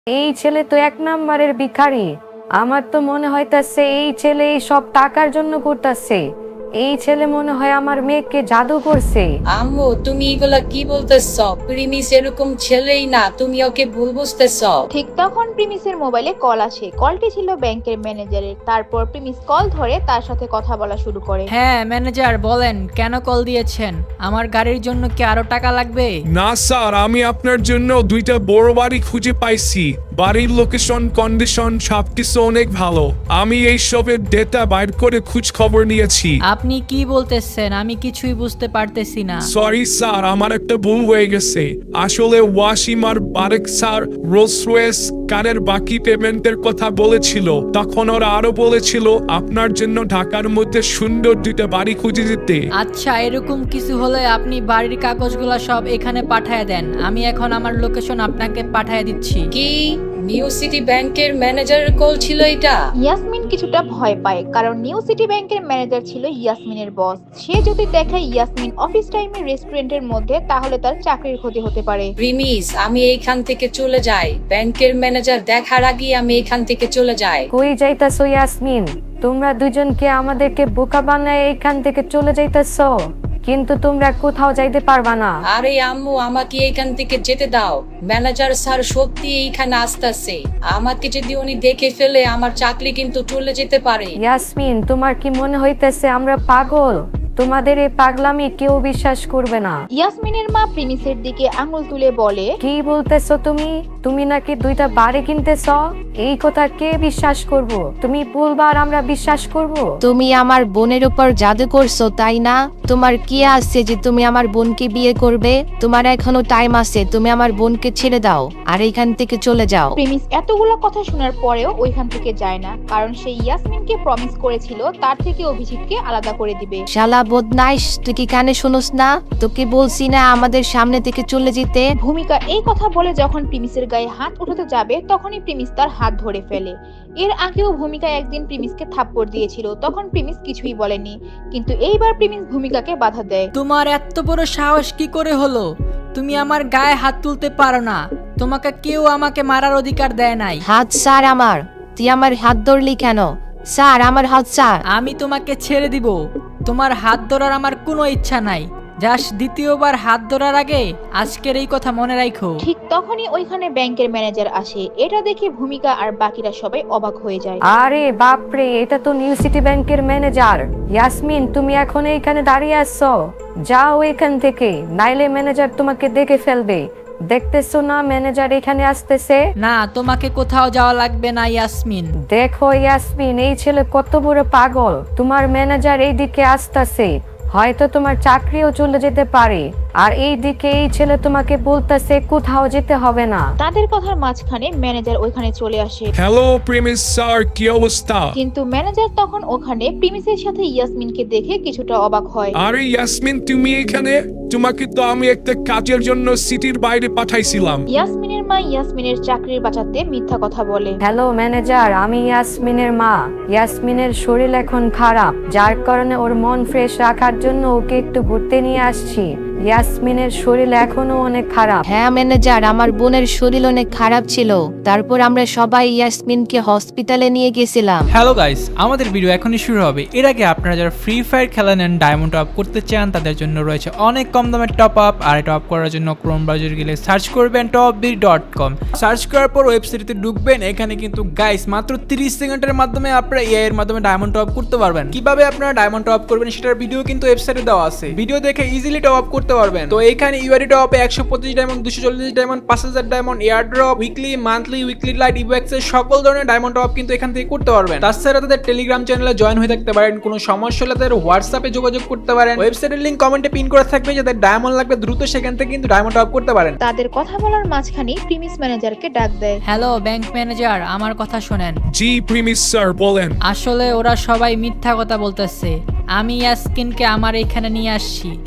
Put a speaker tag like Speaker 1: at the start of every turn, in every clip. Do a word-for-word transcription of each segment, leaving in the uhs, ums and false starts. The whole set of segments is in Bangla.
Speaker 1: এই ছেলে তো এক নাম্বারের ভিখারি। আমার তো মনে হইতাছে এই ছেলে এই সব টাকার জন্য করতেছে। এই ছেলে মনে হয় আমার মেয়েকে জাদু করছে।
Speaker 2: আম্মু তুমি এগুলা কি বলতেছ? প্রিমিস এরকম ছেলেই না, তুমি ওকে ভুল বুঝতেছ।
Speaker 3: ঠিক তখন প্রিমিসের মোবাইলে কল আসে। কলটি ছিল ব্যাংকের ম্যানেজারের। তারপর প্রিমিস কল ধরে তার সাথে কথা বলা শুরু করে।
Speaker 4: হ্যাঁ ম্যানেজার বলেন, কেন কল দিয়েছেন? আমার গাড়ির জন্য কি আরো টাকা লাগবে?
Speaker 5: না স্যার, আমি আপনার জন্য দুইটা বড় বাড়ি খুঁজে পাইছি। বাড়ির লোকেশন কন্ডিশন সবকিছু অনেক ভালো। আমি এই সবের ডেটা বাইর করে খোঁজ খবর নিয়েছি।
Speaker 4: আপনি কি বলতেছেন? আমি কিছুই বুঝতে পারতেছি না।
Speaker 5: সরি স্যার, আমার একটা ভুল হয়ে গেছে। আসলে ওয়াসিম আর বারেক স্যার রোলস রয়েস কারের বাকি পেমেন্টের কথা বলেছিল। তখন ওরা আরো বলেছিল আপনার জন্য ঢাকার মধ্যে সুন্দর দুইটা বাড়ি খুঁজে দিতে।
Speaker 4: আচ্ছা, এরকম কিছু হলে আপনি বাড়ির কাগজগুলো সব এখানে পাঠায় দেন। আমি এখন আমার লোকেশন আপনাকে পাঠায় দিচ্ছি।
Speaker 2: কি নিউ সিটি ব্যাংকের ম্যানেজারের কল ছিল এটা?
Speaker 3: ইয়াসমিন কিছুটা ভয় পায়, কারণ নিউ সিটি ব্যাংকের ম্যানেজার ছিল ইয়াসমিনের বস। সে যদি দেখে ইয়াসমিন অফিস টাইমে রেস্টুরেন্টের মধ্যে, তাহলে তার চাকরির ক্ষতি হতে পারে।
Speaker 2: প্রিমিস আমি এইখান থেকে চলে যাই। ব্যাংকের ম্যানেজার দেখার আগে আমি এইখান থেকে চলে যাই।
Speaker 1: কই যাইতাছো ইয়াসমিন? তোমরা দুজনকে আমাদেরকে বোকা বানায় এইখান থেকে চলে যাইতাছো, কিন্তু তোমরা কোথাও যাইতে পারবা না।
Speaker 2: আরে আম্মু আমাকে এইখান থেকে যেতে দাও। ম্যানেজার স্যার সত্যি এইখানে আসতেছে। আমাকে যদি উনি দেখে ফেলে আমার চাকরি কিন্তু চলে যেতে পারে।
Speaker 1: ইয়াসমিন, তোমার কি মনে হইতেছে আমরা পাগল? তোমাদের এই পাগলামি কেউ বিশ্বাস করবে না।
Speaker 3: ইয়াসমিনের মা প্রিমিসের দিকে আঙুল তুলে বলে,
Speaker 1: কি বলতেছো তুমি? তুমি নাকি দুইটা বাড়ি কিনতেছ? এই কথা কে বিশ্বাস করব? তুমি বলবা আর আমরা বিশ্বাস করব?
Speaker 6: তুমি আমার বোনের উপর জাদু করছো, তাই না? তোমার কি আছে যে তুমি আমার বোনকে বিয়ে করবে? তোমার এখনো টাইম আছে, তুমি আমার বোনকে ছেড়ে দাও আর এখান থেকে চলে যাও।
Speaker 3: প্রিমিস এতগুলো কথা শোনার পরেও ওইখান থেকে যায় না, কারণ সে ইয়াসমিনকে প্রমিস করেছিল তার থেকে অভিজিৎকে আলাদা করে দিবে।
Speaker 6: শালা বদমাইশ, তুই কি কানে শুনোস না? তোকে বলছি না আমাদের সামনে থেকে চলে যেতে।
Speaker 3: ভূমিকা এই কথা বলে যখন প্রিমিসের গায়ে হাত উঠাতে যাবে, তখনই প্রিমিস তার হাত ধরে ফেলে। এর আগেও ভূমিকা একদিন প্রিমিসকে থাপ্পড় দিয়েছিল, তখন প্রিমিস কিছুই বলেনি, কিন্তু এইবার প্রিমিস ভূমিকাকে বাধা দেয়।
Speaker 4: তোমার এত বড় সাহস কি করে হলো? তুমি আমার গায়ে হাত তুলতে পারো না। তোমাকে কেউ আমাকে মারার অধিকার দেয় নাই।
Speaker 6: হাত স্যার আমার। তুই আমার হাত ধরলি কেন? স্যার আমার হাত স্যার।
Speaker 4: আমি তোমাকে ছেড়ে দিব। তোমার হাত ধরার আমার কোনো ইচ্ছা নাই। জাস্ট দ্বিতীয়বার হাত ধরার আগে আজকের এই কথা মনে রাখো।
Speaker 3: ঠিক তখনই ওইখানে ব্যাংকের ম্যানেজার আসে। এটা দেখে ভূমিকা আর বাকিরা সবাই অবাক হয়ে যায়।
Speaker 1: আরে বাপরে, এটা তো নিউ সিটি ব্যাংকের ম্যানেজার। ইয়াসমিন, তুমি এখন এইখানে দাঁড়িয়ে আছো? যাও এখান থেকে, নাইলে ম্যানেজার তোমাকে দেখে ফেলবে। দেখতেছো না ম্যানেজার এখানে আসতেছে?
Speaker 4: না, তোমাকে কোথাও যাওয়া লাগবে না ইয়াসমিন।
Speaker 1: দেখো ইয়াসমিন, এই ছেলে কত বড় পাগল। তোমার ম্যানেজার এইদিকে আসতেছে, হয়তো তোমার চাকরিও চলে যেতে পারে। আর এই দিকে এই ছেলে তোমাকে বলতেছে কোথাও যেতে হবে না।
Speaker 3: তাদের কথার মাঝখানে ম্যানেজার ওইখানে চলে আসে।
Speaker 5: হ্যালো প্রেমিস স্যার, কি অবস্থা?
Speaker 3: কিন্তু ম্যানেজার তখন ওখানে প্রিমিসের সাথে ইয়াসমিনকে দেখে কিছুটা অবাক হয়।
Speaker 5: আরে ইয়াসমিন, তুমি এখানে? তোমাকে তো আমি একটা কাজের জন্য সিটির বাইরে পাঠাইছিলাম।
Speaker 3: ইয়াসমিনের মা ইয়াসমিনের চাকরির বাঁচাতে মিথ্যা কথা বলে।
Speaker 1: হ্যালো ম্যানেজার, আমি ইয়াসমিনের মা। ইয়াসমিনের শরীর এখন খারাপ, যার কারণে ওর মন ফ্রেশ রাখার জন্য ওকে একটু ঘুরতে নিয়ে আসছি। ইয়াসমিনের শরীর এখনো অনেক খারাপ।
Speaker 6: হ্যাঁ ম্যানেজার, আমার বোনের শরীর অনেক খারাপ ছিল। তারপর আমরা সবাই ইয়াসমিনকে হসপিটালে নিয়ে গেছিলাম।
Speaker 7: হ্যালো গাইস, আমাদের ভিডিও এখনই শুরু হবে। এর আগে আপনারা যারা ফ্রি ফায়ার খেলা নেন, ডায়মন্ড টপ করতে চান, তাদের জন্য রয়েছে অনেক কম দামের টপ আপ। আর টপ করার জন্য ক্রোম ব্রাউজারে গেলে সার্চ করবেন top B dot com. Search করার পর ওয়েবসাইটে ঢুকবেন। এখানে কিন্তু গাইস মাত্র তিরিশ সেকেন্ডের মাধ্যমে আপনারা এআই এর মাধ্যমে ডায়মন্ড টপ করতে পারবেন। কিভাবে আপনারা ডায়মন্ড টপ করবেন সেটার ভিডিও কিন্তু ওয়েবসাইটে দেওয়া আছে। ভিডিও দেখে ইজিলি টপ আপ করতে পারবেন। তো এখানে ইউআরই টপে একশো পঁচিশ ডায়মন্ড, দুশো চল্লিশ ডায়মন্ড, পাঁচ হাজার diamond, airdrop, weekly, monthly, weekly lite, ইভেক্স এর সকল ধরনের ডায়মন্ড টপ কিন্তু এখান থেকে করতে পারবেন। তাছাড়া তাদের টেলিগ্রাম চ্যানেলে জয়েন হয়ে থাকতে পারেন। কোনো সমস্যা হলে তাদের হোয়াটসঅ্যাপে যোগাযোগ করতে পারেন। ওয়েবসাইটের লিংক কমেন্টে পিন করা থাকবে। যাদের ডায়মন্ড লাগবে দ্রুত সেখান থেকে কিন্তু ডায়মন্ড টপ করতে পারেন।
Speaker 3: তাদের কথা বলার মাঝখানে প্রিমিস ম্যানেজারকে ডাক দেয়।
Speaker 4: হ্যালো ব্যাংক ম্যানেজার, আমার কথা শোনেন।
Speaker 5: জি প্রেমিস স্যার, বলেন।
Speaker 4: আসলে ওরা সবাই মিথ্যা কথা বলতেছে। আমি ইয়াসমিনকে আমার এখানে নিয়ে আসছি।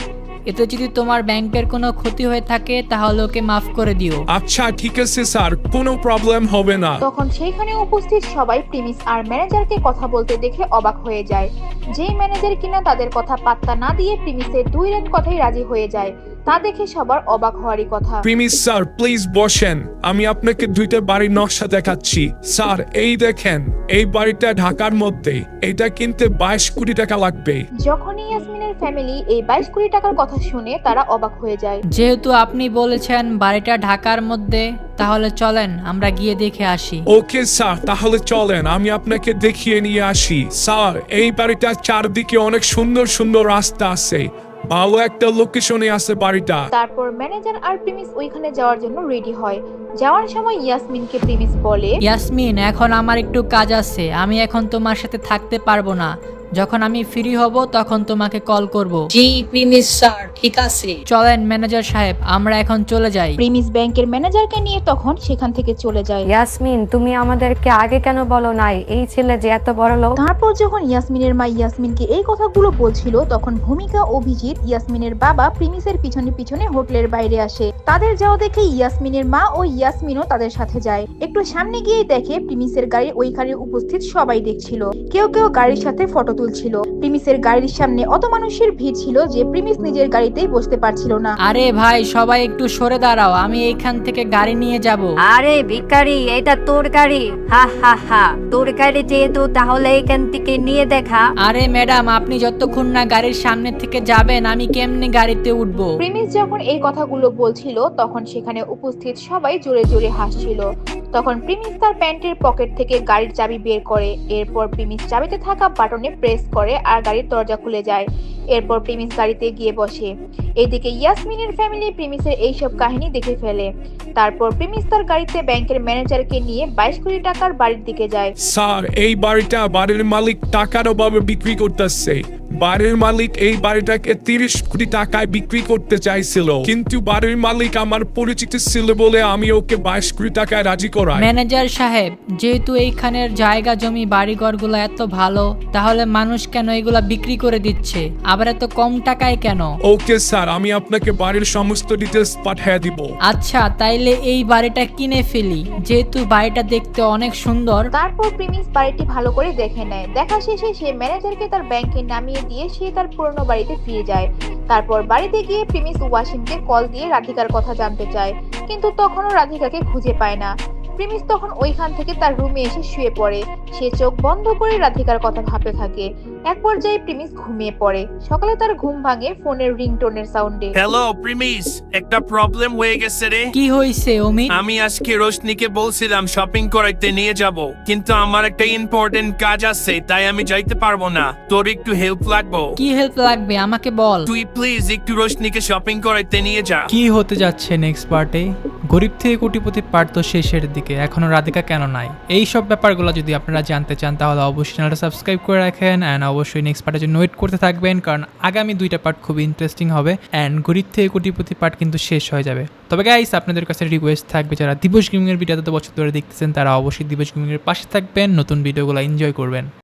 Speaker 4: এতে যদি তোমার ব্যাংকের কোনো ক্ষতি হয়ে থাকে তাহলে ওকে মাফ করে দিও।
Speaker 5: আচ্ছা ঠিক আছে স্যার, কোনো প্রবলেম হবে না।
Speaker 3: তখন সেইখানে উপস্থিত সবাই প্রিমিস আর ম্যানেজারকে কথা বলতে দেখে অবাক হয়ে যায়। যেই ম্যানেজার কিনা তাদের কথা পাত্তা না দিয়ে প্রিমিসের দুই লাইন কথাই রাজি হয়ে যায়, তা দেখে সবার অবাক হওয়ারই কথা।
Speaker 5: প্রিমিস স্যার প্লিজ বসেন, আমি আপনাকে দুইটা বাড়ির নকশা দেখাচ্ছি। স্যার এই দেখেন, এই বাড়িটা ঢাকার মধ্যে, এটা কিনতে বাইশ কোটি টাকা লাগবে।
Speaker 3: যখনই ইয়াসমিনের ফ্যামিলি এই বাইশ কোটি টাকার কথা শুনে তারা অবাক হয়ে যায়।
Speaker 4: যেহেতু আপনি বলেছেন বাড়িটা ঢাকার মধ্যে, তাহলে চলেন আমরা গিয়ে দেখে আসি।
Speaker 5: ওকে স্যার, তাহলে চলেন আমি আপনাকে দেখিয়ে নিয়ে আসি। স্যার এই বাড়িটার চারদিকে অনেক সুন্দর সুন্দর রাস্তা আছে, ভালো একটা লোকেশনে আছে বাড়িটা।
Speaker 3: তারপর ম্যানেজার আর প্রিমিস ওইখানে যাওয়ার জন্য রেডি হয়। যাওয়ার সময় ইয়াসমিনকে প্রিমিস বলে,
Speaker 4: ইয়াসমিন এখন আমার একটু কাজ আছে, আমি এখন তোমার সাথে থাকতে পারবো না, যখন আমি ফ্রি হব তখন তোমাকে কল করব।
Speaker 2: জি প্রিমিস স্যার, ঠিক আছে।
Speaker 4: চলেন ম্যানেজার সাহেব, আমরা এখন চলে যাই।
Speaker 3: প্রিমিস ব্যাংকের ম্যানেজারকে নিয়ে তখন সেখান থেকে চলে যায়।
Speaker 1: ইয়াসমিন তুমি আমাদেরকে আগে কেন বলো নাই এই ছেলে যে এত বড় লোক?
Speaker 3: তারপর যখন ইয়াসমিনের মা ইয়াসমিনকে এই কথাগুলো বলছিল তখন ভূমিকা, অভিজিৎ, ইয়াসমিনের বাবা প্রিমিসের পিছনে পিছনে হোটেলের বাইরে আসে। তাদের যাওয়া দেখে ইয়াসমিনের মা ও ইয়াসমিনও তাদের সাথে যায়। একটু সামনে গিয়ে দেখে প্রিমিসের গাড়ি ওইখানে উপস্থিত সবাই দেখছিল, কেউ কেউ গাড়ির সাথে ফটো তুলছিল। প্রিমিসের গাড়ির সামনে অত মানুষের ভিড় ছিল যে প্রিমিস নিজের গাড়িতেই বসতে পারছিল না।
Speaker 4: আরে ভাই সবাই একটু সরে দাঁড়াও, আমি এইখান থেকে গাড়ি নিয়ে যাব।
Speaker 1: আরে ভিখারি, এটা তোর গাড়ি? হা হা হা, তোর গাড়ি যেহেতু তাহলে এখান থেকে নিয়ে দেখা।
Speaker 4: আরে ম্যাডাম, আপনি যতক্ষণ না গাড়ির সামনে থেকে যাবেন আমি কেমনে গাড়িতে উঠবো?
Speaker 3: প্রিমিস যখন এই কথাগুলো বলছিল তখন সেখানে উপস্থিত সবাই জোরে জোরে হাসছিল। তখন প্রিমিস তার প্যান্টের পকেট থেকে গাড়ির চাবি বের করে, এরপর প্রিমিস চাবিতে থাকা বাটনে প্রেস করে আর গাড়ির দরজা খুলে যায়। এরপর প্রিমিস গাড়িতে গিয়ে বসে। এদিকে ইয়াসমিনের ফ্যামিলি প্রিমিসের এইসব কাহিনী দেখে ফেলে। তারপর প্রিমিস তার গাড়িতে ব্যাংকের ম্যানেজারকে নিয়ে বাইশ কোটি টাকার বাড়ির দিকে যায়।
Speaker 5: স্যার এই বাড়িটা বাড়ির মালিক টাকার অভাবে বিক্রি করতেছে। বাড়ির মালিক এই বাড়িটাকে তিরিশ কোটি টাকায় বিক্রি করতে চাইছিল, কিন্তু বাড়ির মালিক আমার পরিচিত ছিল বলে আমি ওকে বাইশ কোটি টাকায় রাজি করাই।
Speaker 4: ম্যানেজার সাহেব, যেহেতু এইখানের জায়গা জমি বাড়িঘরগুলো এত ভালো, তাহলে মানুষ কেন এগুলা বিক্রি করে দিচ্ছে, আবার এত কম টাকায় কেন?
Speaker 5: ওকে স্যার, আমি আপনাকে বাড়ির সমস্ত ডিটেলস পাঠিয়ে দিব।
Speaker 4: আচ্ছা তাইলে এই বাড়িটা কিনে ফেলি, যেহেতু বাড়িটা দেখতে অনেক সুন্দর।
Speaker 3: তারপর প্রিমিস বাড়িটি ভালো করে দেখে নেয়। দেখা শেষে সে ম্যানেজারকে তার ব্যাংকে নামিয়ে দিয়ে সে তার পুরনো বাড়িতে ফিরে যায়। তারপর বাড়িতে গিয়ে প্রিমিস ওয়াসিমকে কল দিয়ে রাধিকার কথা জানতে চায়, কিন্তু তখনও রাধিকাকে খুঁজে পায় না। প্রিমিস তখন ওইখান থেকে তার রুমে এসে শুয়ে পড়ে। সে চোখ বন্ধ করে রাধিকার কথা ভাবতে থাকে। এক পর্যায়ে প্রিমিস ঘুমিয়ে পড়ে। সকালে তার ঘুম ভাঙে ফোনের রিংটোনের সাউন্ডে।
Speaker 8: হ্যালো প্রিমিস, একটা প্রবলেম হয়ে গেছে রে।
Speaker 4: কি হয়েছে অমিত?
Speaker 8: আমি আজকে রোশনিকে বলছিলাম শপিং করাইতে নিয়ে যাব, কিন্তু আমার একটা ইম্পর্টেন্ট কাজ আছে, তাই আমি যাইতে পারবো না। তোর একটু হেল্প লাগবো।
Speaker 4: কি হেল্প লাগবে আমাকে বল।
Speaker 8: তুই প্লিজ একটু রোশনিকে শপিং করাইতে নিয়ে যা।
Speaker 7: কি হতে যাচ্ছে নেক্সট পার্টে? গরিব থেকে কোটিপতি পার্ট তো শেষের দিকে, এখনো রাধিকা কেন নাই? এই সব ব্যাপারগুলো যদি আপনারা জানতে চান তাহলে অবশ্যই চ্যানেলটা সাবস্ক্রাইব করে রাখেন অ্যান্ড অবশ্যই নেক্সট পার্টের জন্য ওয়েট করতে থাকবেন, কারণ আগামী দুইটা পার্ট খুব ইন্টারেস্টিং হবে অ্যান্ড গরিব থেকে কোটিপতি পার্ট কিন্তু শেষ হয়ে যাবে। তবে গাইস আপনাদের কাছে রিকোয়েস্ট থাকবে, যারা দিবস গেমিংয়ের ভিডিও এত বছর ধরে দেখতেছেন তারা অবশ্যই দিবস গেমিংয়ের পাশে থাকবেন, নতুন ভিডিওগুলো এনজয় করবেন।